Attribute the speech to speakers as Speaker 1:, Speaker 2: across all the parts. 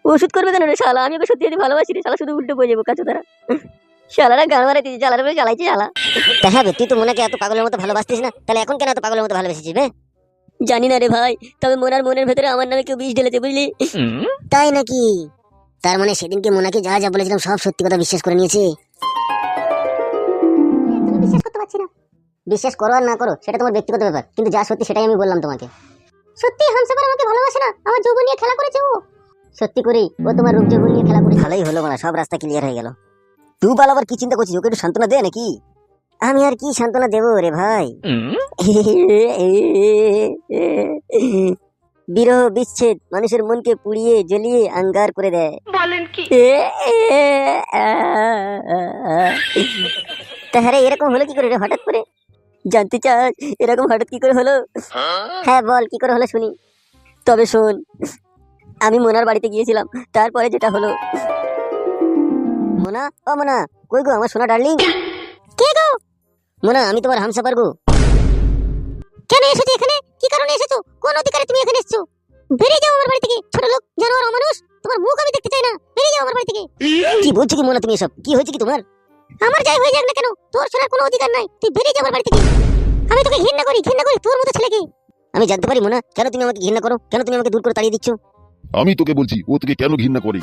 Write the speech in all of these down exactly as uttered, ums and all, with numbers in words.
Speaker 1: ওষুধ করবে কেন রে শালা? আমি ওকে সত্যি সত্যি ভালোবাসি রে শালা, শুধু উল্টো বয়ে যাবো কাছে তারা। শালারা গান মারাইতে শালার উপরে চালাইছে শালা।
Speaker 2: তা হ্যাঁ বে, তুই তো মোনাকে এত পাগলের মতো ভালোবাসতিস না, তাহলে এখন কেন এত পাগলের মতো ভালোবেসেছিস বে?
Speaker 1: জানি না রে ভাই, তবে মোনার মনের ভেতরে আমার নামে কেউ বিষ ঢেলেছে বুঝলি।
Speaker 2: তাই নাকি? তার মানে সেদিনকে মোনাকে যা যা বলেছিলাম সব সত্যি কথা বিশ্বাস করে নিয়েছে। তুমি বিশ্বাস করতে পারছি না। বিশ্বাস করো আর না করো সেটা তোমার ব্যক্তিগত ব্যাপার, কিন্তু যা সত্যি সেটাই আমি বললাম তোমাকে। সত্যি হামসাফার আমাকে ভালোবাসে না, আমার যৌবন নিয়ে খেলা করেছে ও। সত্যি করি ও তোমার রূপ যৌবন নিয়ে খেলা করেছে। ভালোই হলো মানে, সব রাস্তা ক্লিয়ার হয়ে গেল। তুই বাল আবার কি চিন্তা করছিস? ওকে একটু সান্ত্বনা দে নাকি? আমি আর কি সান্ত্বনা দেবো রে ভাই? বিরহ বিচ্ছেদ মানুষের মনকে পুড়িয়ে জ্বলিয়ে আঙ্গার করে দেয়।
Speaker 1: বলেন কি?
Speaker 2: তাহলে এরকম হলো কি করে রে হঠাৎ করে?
Speaker 1: জানতে চাস এরকম হঠাৎ কি করে হলো?
Speaker 2: হ্যাঁ বল, কি করে হলো শুনি।
Speaker 1: তবে শোন, আমি মোনার বাড়িতে গিয়েছিলাম, তারপরে যেটা হলো।
Speaker 2: মোনা, ও মোনা, কই গো আমার সোনা ডার্লিং?
Speaker 1: কে গো?
Speaker 2: মোনা, আমি তোমার হামসাফার গো।
Speaker 1: কেন এসেছো এখানে? কি কারণে এসেছো? কোন অধিকারে তুমি এখানে এসেছো? বেরিয়ে যাও আমার বাড়ি থেকে, ছোট লোক, জানোয়ার, অমানুষ। তোমার মুখ আমি দেখতে চাই না, বেরিয়ে যাও আমার বাড়ি থেকে।
Speaker 2: কি বলছো কি মোনা তুমি এসব? কি হয়েছে কি তোমার?
Speaker 1: আমার যাই হয়ে যাক না কেন, তোর শোনার কোনো অধিকার নাই। তুই বেরিয়ে যা আমার বাড়ি থেকে। আমি তোকে ঘৃণা করি, ঘৃণা করি তোর মতো ছেলেকে।
Speaker 2: আমি জানতে পারি মোনা, কেন তুমি আমাকে ঘৃণা করো? কেন তুমি আমাকে দূর করে তাড়িয়ে দিচ্ছ?
Speaker 3: আমি তোকে বলছি ও তোকে কেন ঘৃণা করে।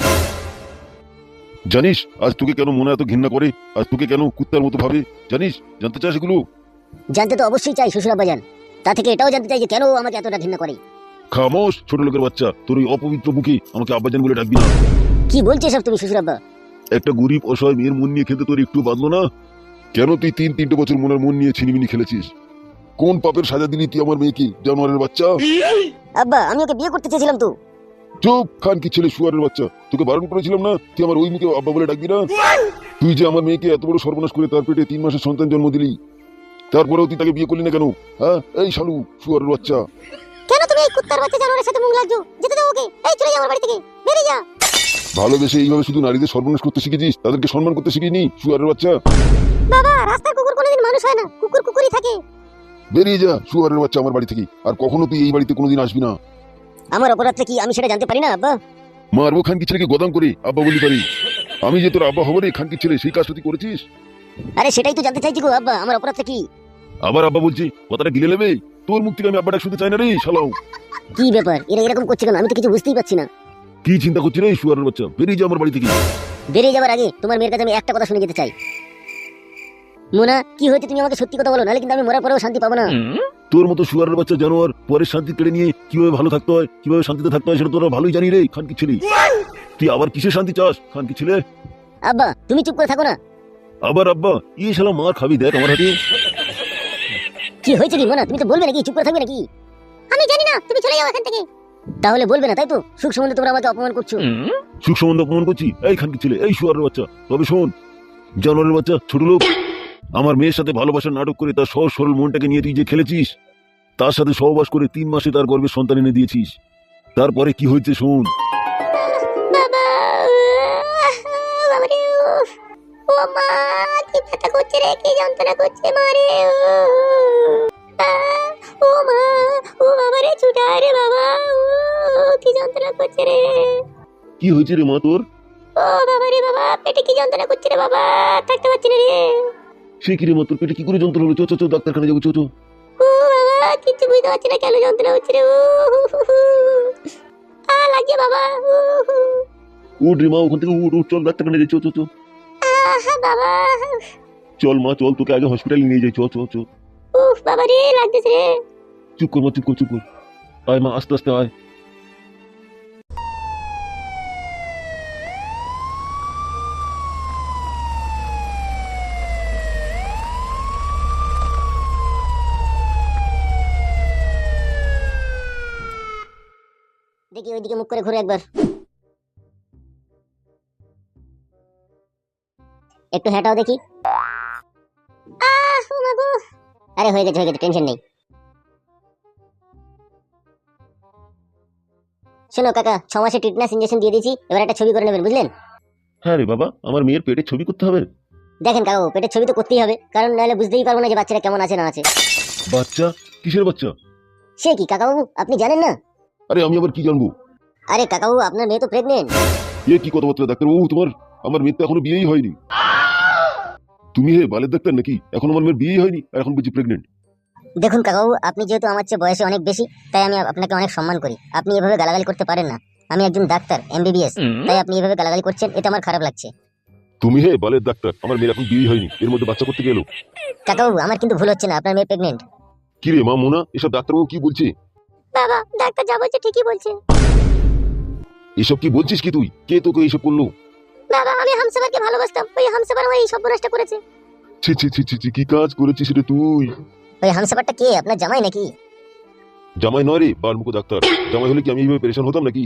Speaker 3: জানিস আজ তোকে কেন মনে এত ঘৃণা করে? আজ তোকে কেন কুত্তার মতো ভাবে? জানিস? জানতে চাস এগুলো?
Speaker 2: জানতে তো অবশ্যই চাই শ্বশুর আব্বাজান। তা থেকে এটাও জানতে চাই যে কেন ও আমাকে এতটা ঘৃণা করে।
Speaker 3: খামোশ ছোট লোকের বাচ্চা, তোর ওই অপবিত্র মুখে আমাকে আব্বাজান বলে ডাকবি না।
Speaker 2: কি বলছো সব তুমি শ্বশুর আব্বা?
Speaker 3: একটা গরিব অসহায় মেয়ের মন নিয়ে খেলতে তোর একটু বাঁধলো না? কেন তুই তিন তিনটে বছর মনের মন নিয়ে ছিনিমিনি খেলেছিস? কোন পাপের সাজা দিলি তুই আমার মেয়েকে, জানোয়ারের বাচ্চা?
Speaker 2: আব্বা, আমি ওকে বিয়ে করতে চেয়েছিলাম তো।
Speaker 3: চুপ, খান কি ছেলে, শুয়ারের বাচ্চা। তোকে বারণ করেছিলাম না তুই আমার ওই মুখে আব্বা বলে ডাকবি না? তুই যে আমার মেয়েকে এত বড় সর্বনাশ করে তার পেটে তিন মাসের সন্তান জন্ম দিলি, তারপরেও তুই তাকে বিয়ে করলি না কেন? হ্যাঁ, এই শালু শুয়ারের বাচ্চা।
Speaker 1: কেন তুমি এই কুত্তার বাচ্চা জানোয়ারের সাথে মুখ লাগছো? যেতে দাও ওকে। এই চলে যা আমার বাড়ি থেকে, বেরিয়ে যা।
Speaker 3: ভালোবেসে এইভাবে শুধু নারীদের সর্বনাশ করতে শিখেছিস, তাদেরকে সম্মান করতে শিখিনি, শুয়ারের বাচ্চা।
Speaker 1: বাবা, রাস্তার কুকুর কোনোদিন মানুষ হয় না, কুকুর কুকুরই থাকে।
Speaker 3: বেরিয়ে যা শুয়ারের বাচ্চা আমার বাড়ি থেকে, আর কখনো তুই এই বাড়িতে কোনোদিন আসবি না।
Speaker 2: আমার অপরাধটা কি আমি সেটা জানতে পারি না আব্বা?
Speaker 3: মারবো খানকি ছেলেকে গদাম করে আব্বা বলি পারি? আমি যে তোর আব্বা হবো রে খানকি ছেলে, সেই কাজটা তুই করেছিস।
Speaker 2: আরে সেটাই তো জানতে চাইছি গো আব্বা, আমার অপরাধটা কি?
Speaker 3: আবার আব্বা বলছি, কথাটা গিলে নেবে? তোর মুখ থেকে আমি আব্বাটা শুনতে চাই না রে শালাও।
Speaker 2: কি ব্যাপার, এরা এরকম করছে কেন? আমি তো কিছু বুঝতেই পারছি না।
Speaker 3: কি চিন্তা করছিস রে শুয়ারের বাচ্চা? বেরিয়ে যা আমার বাড়ি থেকে।
Speaker 2: বেরিয়ে যাবার আগে তোমার মেয়ের কাছে আমি একটা কথা শুনে যেতে চাই। মোনা, কি হয়েছে তুমি আমাকে সত্যি কথা বলো, নাহলে কিন্তু আমি মরার পরেও শান্তি পাবো না।
Speaker 3: তোর মতো শুয়ারের বাচ্চা জানোয়ার পরের শান্তি কেড়ে নিয়ে কিভাবে ভালো থাকতে হয়, কিভাবে শান্তিতে থাকতে হয় সেটা তোরা ভালোই জানি রে খানকি ছেলে। তুই আবার কিসের শান্তি চাস খানকি ছেলে?
Speaker 2: আব্বা, তুমি চুপ করে থাকো না।
Speaker 3: আবার আব্বা? এই শালা মার খাবি দেখ আমার হাতে।
Speaker 2: কি হয়েছে কি মোনা? তুমি তো বলবে নাকি? চুপ করে থাকবে নাকি?
Speaker 1: আমি জানি না, তুমি চলে যাও এখান থেকে।
Speaker 2: তাহলে বলবে না তাই তো? সুখ সম্বন্ধে তোমরা আমাকে অপমান করছো।
Speaker 3: সুখ সম্বন্ধ অপমান করছি? এই খানকি ছেলে, এই শুয়ারের বাচ্চা। তবে শোন জানোয়ারের বাচ্চা, ছোট লোক, আমার মেয়ের সাথে ভালোবাসার নাটক করে তার সহজ সরল মনটাকে নিয়ে তুই যে খেলেছিস, তার সাথে সহবাস করে তিন মাসে তার গর্ভের সন্তান এনে দিয়েছিস। তারপরে কি হয়েছে শোন।
Speaker 1: বাবা, বাবারে, ও মা, কি ব্যথা করছে রে, কি যন্ত্রণা করছে মারে। ও মা, ও বাবারে, ছুটা রে বাবা, ও কি যন্ত্রণা করছে রে।
Speaker 3: কি হয়েছে রে মা তোর?
Speaker 1: ও বাবারে বাবা, পেটে কি যন্ত্রণা করছে রে বাবা, থাকতে পারছি না রে।
Speaker 3: সে কি রে মা, তোর পেটে কি করে যন্ত্রণা হলো? চো চো চো, ডাক্তারখানা যাবো, চো চো।
Speaker 1: ও বাবা, কিচ্ছু বুঝতে পারছি না, কেন যন্ত্রণা হচ্ছে রে। ও আ লাগছে বাবা।
Speaker 3: উঠ রে মা, ওখান থেকে উঠ উঠ, চল ডাক্তারখানা যাই, চো চো চো।
Speaker 1: আহা বাবা,
Speaker 3: চল মা চল, তোকে আগে হসপিটালে নিয়ে যাই, চো চো চো।
Speaker 1: উফ বাবা রে, লাগতেছে রে।
Speaker 3: চুপ কর মা, চুপ কর চুপ কর। আয় মা, আস্তে আস্তে আয়।
Speaker 2: দেখি ওইদিকে মুখ করে ঘুরে একবার। একটু হেঁটাও দেখি।
Speaker 1: আহ, ও মা গো।
Speaker 2: আরে হয়ে গেছে হয়ে গেছে, টেনশন নেই। শোনো কাকা, ছ মাসে টিটনাস ইঞ্জেকশন দিয়ে দিয়েছি, এবার একটা ছবি করে নেবেন, বুঝলেন?
Speaker 3: হ্যাঁ রে বাবা, আমার মেয়ের পেটের ছবি করতে হবে?
Speaker 2: দেখেন কাকু, পেটের ছবি তো করতেই হবে, কারণ নাহলে বুঝতেই পারবো না যে বাচ্চাটা কেমন আছে না আছে।
Speaker 3: বাচ্চা? কিসের বাচ্চা?
Speaker 2: সে কি কাকাবাবু, আপনি জানেন না?
Speaker 3: আরে আমি আবার কি জানবো?
Speaker 2: আরে কাকাবাবু, আপনার মেয়ে তো প্রেগনেন্ট।
Speaker 3: এ কি কথাবার্তা ডাক্তারবাবু তোমার? আমার মেয়ের তো এখনো বিয়েই হয়নি। তুমি হে বালের ডাক্তার নাকি? এখন আমার মেয়ের বিয়েই হয়নি আর এখন বুঝি প্রেগনেন্ট?
Speaker 2: দেখুন কাকাবাবু, আপনি যেহেতু আমার চেয়ে বয়সে অনেক বেশি, তাই আমি আপনাকে অনেক সম্মান করি। আপনি এভাবে গালাগালি করতে পারেন না। আমি একজন ডাক্তার, এমবিবিএস, তাই আপনি এভাবে গালাগালি করছেন, এটা আমার খারাপ লাগছে।
Speaker 3: তুমি হে বালের ডাক্তার, আমার মেয়ের এখন বিয়েই হয়নি, এর মধ্যে বাচ্চা করতে গেলো?
Speaker 2: কাকাবাবু, আমার কিন্তু ভুল হচ্ছে না, আপনার মেয়ে প্রেগনেন্ট।
Speaker 3: কি রে মা মোনা, এসব ডাক্তারবাবু কি বলছে?
Speaker 1: বাবা, ডাক্তার যা বলছে ঠিকই বলছে।
Speaker 3: এসব কি বলছিস কি তুই? কে তোকে এইসব করলো?
Speaker 1: বাবা, আমি হামসাফারকে ভালোবাসতাম, ওই হামসাফার আমার এই সর্বনাশটা করেছে।
Speaker 3: ছি ছি ছি ছি ছি, কি কাজ করেছিস রে তুই?
Speaker 2: ওই হামসাফারটা কে? আপনার জামাই নাকি?
Speaker 3: জামাই নয় রে বারমুখো ডাক্তার, জামাই হলে কি আমি এইভাবে পেরেশান হতাম নাকি?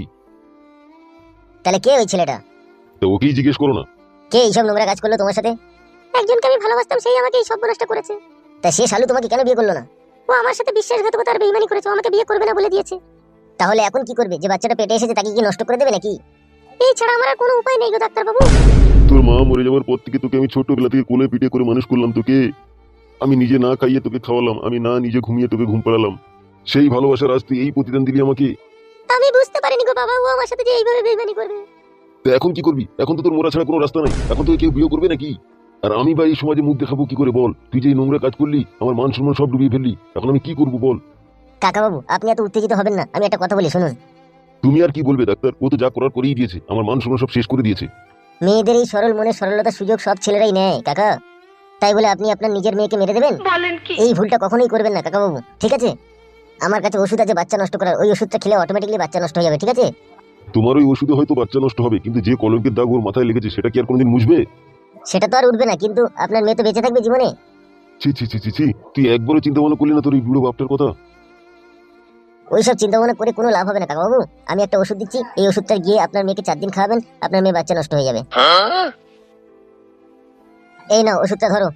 Speaker 2: তাহলে কে ওই ছেলেটা?
Speaker 3: তো ওকেই জিজ্ঞেস করো না।
Speaker 2: কে এইসব নোংরা কাজ করলো তোমার সাথে?
Speaker 1: একজনকে আমি ভালোবাসতাম, সেই আমাকে এই সর্বনাশটা করেছে।
Speaker 2: তা সে শালু তোমাকে কেন বিয়ে করলো না?
Speaker 1: ও আমার সাথে বিশ্বাসঘাতকতা আর বেইমানি করেছে, ও আমাকে বিয়ে করবে না বলে দিয়েছে।
Speaker 2: তাহলে এখন কি করবে? যে বাচ্চাটা পেটে এসেছে তাকে কি নষ্ট করে দেবে নাকি?
Speaker 1: এই ছাড়া আমার আর কোনো উপায় নেই গো ডাক্তার বাবু।
Speaker 3: তোর মা মরে যাওয়ার পর থেকে তোকে আমি ছোটবেলা থেকে কোলে পিঠে করে মানুষ করলাম তোকে। আমি নিজে না খাইয়ে তোকে খাওয়ালাম, আমি না নিজে ঘুমিয়ে তোকে ঘুম পাড়ালাম। সেই ভালোবাসার আজ তুই এই প্রতিদান দিলি আমাকে।
Speaker 1: আমি বুঝতে পারিনি গো বাবা, ও আমার সাথে যে এইভাবে বেইমানি করবে।
Speaker 3: তো এখন কি করবি? এখন তো তোর মোরা ছাড়া কোনো রাস্তা নাই, এখন তোকে কেউ বিয়ে করবে নাকি? আর আমি বা এই সমাজে মুখ দেখাবো কি করে বল? তুই যে এই নোংরা কাজ করলি, আমার মান সম্মান সব ডুবিয়ে ফেললি, এখন আমি কি করবো বল?
Speaker 2: কাকাবাবু, আপনি এত উত্তেজিত হবেন না, আমি একটা কথা বলি শুনুন।
Speaker 3: তুমি আর কি বলবে ডাক্তার? ও তো যা করার করেই দিয়েছে, আমার মান সম্মান সব শেষ করে দিয়েছে।
Speaker 2: মেয়েদের এই সরল মনে সরলতার সুযোগ সব ছেলেরাই নেয় কাকা। তাই বলে আপনি আপনার নিজের মেয়েকে মেরে দেবেন? এই ভুলটা কখনোই করবেন না কাকাবাবু, ঠিক আছে? আমার কাছে ওষুধ আছে বাচ্চা নষ্ট করার, ওই ওষুধটা খেলে অটোমেটিক্যালি বাচ্চা নষ্ট হয়ে যাবে, ঠিক আছে?
Speaker 3: তোমার ওই ওষুধে হয়তো বাচ্চা নষ্ট হবে, কিন্তু যে কলঙ্কের দাগ ওর মাথায় লেগেছে সেটা কি আর কোনোদিন মুছবে?
Speaker 2: সেটা তো আর উঠবে না, কিন্তু আপনার মেয়ে তো বেঁচে থাকবে জীবনে।
Speaker 3: ছি ছি ছি ছি ছি, তুই একবারও চিন্তা ভাবনা করলি না তোর এই বুড়ো বাপটার কথা?
Speaker 2: ওইসব চিন্তা ভাবনা করে কোনো লাভ হবে না কাকাবাবু। আমি একটা ওষুধ দিচ্ছি, এই ওষুধটা গিয়ে আপনার মেয়েকে চার দিন খাওয়াবেন, আপনার মেয়ে বাচ্চা নষ্ট হয়ে যাবে। এই নাও ওষুধটা ধরো।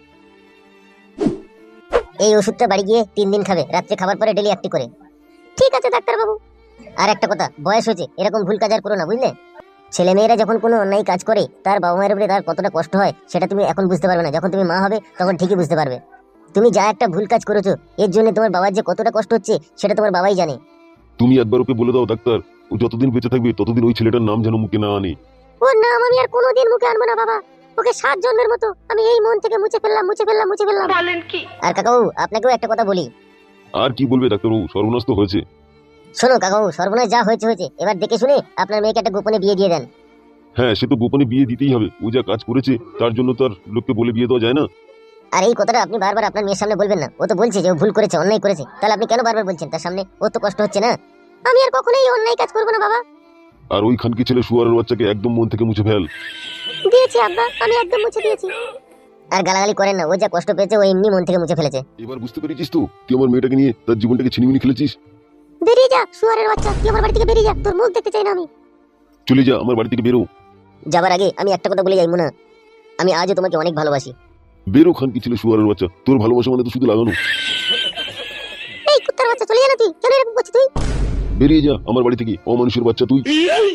Speaker 2: এই ওষুধটা বাড়ি গিয়ে তিন দিন খাবে, রাত্রে খাবার পরে ডেলি একটি করে।
Speaker 1: ঠিক আছে ডাক্তার বাবু।
Speaker 2: আর একটা কথা, বয়স হয়েছে, এরকম ভুল কাজ আর করো না, বুঝলে? ছেলে মেয়েরা যখন কোনো অন্যায় কাজ করে তার বাবা মায়ের উপরে তার কতটা কষ্ট হয় সেটা তুমি এখন বুঝতে পারবে না, যখন তুমি মা হবে তখন ঠিকই বুঝতে পারবে। তুমি যা একটা ভুল কাজ করেছো, এর জন্য তোমার বাবার যে কতটা কষ্ট হচ্ছে সেটা তোমার বাবাই জানে।
Speaker 3: তুমি একবার ওকে বলে দাও ডাক্তার, ও যতদিন বেঁচে থাকবে ততদিন ওই ছেলেটার নাম যেন মুখে না আনে।
Speaker 1: ওর নাম আমি আর কোনোদিন মুখে আনবো না বাবা। ওকে সাত জন্মের মতো আমি এই মন থেকে মুছে ফেললাম, মুছে ফেললাম, মুছে ফেললাম।
Speaker 2: আর কাকাবাবু, আপনাকেও একটা কথা বলি।
Speaker 3: আর কি বলবে ডাক্তারবাবু, সর্বনাশ তো হয়েছে।
Speaker 2: শোনো কাকাবাবু, সর্বনাশ যা হয়েছে হয়েছে, এবার দেখে শুনে আপনার মেয়েকে একটা গোপনে বিয়ে দিয়ে দেন।
Speaker 3: হ্যাঁ, সে তো গোপনে বিয়ে দিতেই হবে, ও যা কাজ করেছে তার জন্য তো আর লোককে বলে বিয়ে দেওয়া যায় না।
Speaker 2: আর এই কথাটা আপনি বারবার আপনার মেয়ের সামনে বলবেন না। ও তো বলছে যে ও ভুল করেছে, অন্যায় করেছে, তাহলে আপনি কেন বারবার বলছেন তার সামনে? ও তো কষ্ট হচ্ছে না?
Speaker 1: আমি আর কখনোই অন্যায় কাজ করবো না বাবা।
Speaker 3: আর ওই খানকি ছেলে শুয়ারের বাচ্চাকে একদম মন থেকে মুছে ফেল।
Speaker 1: দিয়েছি আব্বা, আমি একদম মুছে দিয়েছি।
Speaker 2: আর গালাগালি করেন না, ও যা কষ্ট পেয়েছে ও এমনি মন থেকে মুছে ফেলেছে।
Speaker 3: এবার বুঝতে পেরেছিস তো তুই আমার মেয়েটাকে নিয়ে তার জীবনটাকে ছিনিমিনি খেলেছিস?
Speaker 1: বেরিয়ে যা শুয়ারের বাচ্চা, তুই আমার বাড়ি থেকে বেরিয়ে যা, তোর মুখ দেখতে চাই না আমি।
Speaker 3: চলে যা, আমার বাড়ি থেকে বেরো।
Speaker 2: যাবার আগে আমি একটা কথা বলে যাই মুনা, আমি আজও তোমাকে অনেক ভালোবাসি।
Speaker 3: বেরো খানকি ছেলে শুয়ারের বাচ্চা, তোর ভালোবাসা মানে তো শুধু লাগানো।
Speaker 1: এই কুত্তার বাচ্চা, চলে যা না তুই, কেন এরকম করছিস তুই?
Speaker 3: বেরিয়ে যা আমার বাড়ি থেকে, অমানুষের বাচ্চা তুই।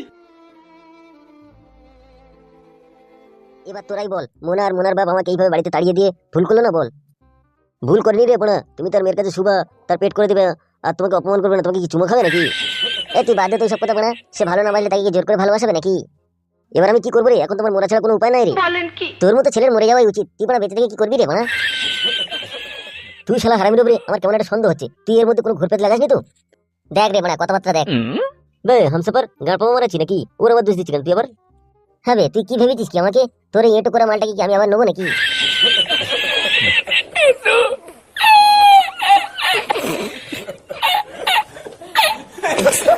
Speaker 2: এবার তোরাই বল, মোনা আর মোনার বাপ আমাকে এইভাবে বাড়িতে তাড়িয়ে দিয়ে ভুল করলো না? বল, ভুল করিনি রে বোনা? তুমি তার মেয়ের কাছে শুবা, তার পেট করে দেবে, আর তোমাকে অপমান করবে না? তোমাকে কি চুমো খাবে নাকি? এ তুই বাদ দে তো সব কথা বোনা। সে ভালো না বাসলে তাকে কি জোর করে ভালোবাসাবে নাকি? এবার আমি কি করবো রে? এখন তোমার মোরা ছাড়া কোনো উপায় নাই রে। তোর মতো ছেলের মরে যাওয়াই উচিত। তুই বোনা বেঁচে থেকে কি করবি রে বোনা? তুই শালা হারামির উপরে আমার কেমন একটা সন্দেহ হচ্ছে। তুই এর মধ্যে কোনো ঘুরপেট লাগাসনি তো? দেখ রে বোনা, কথাবার্তা দেখ। বে হামসাফার গাড় পাবো মারাচ্ছি নাকি? ওর আবার দোষ দিচ্ছি কেন তুই আবার? হ্যাঁ বে, তুই কি ভেবেছিস কি আমাকে? তোর এই এটো করা মালটাকে কি আমি আবার নেবো নাকি?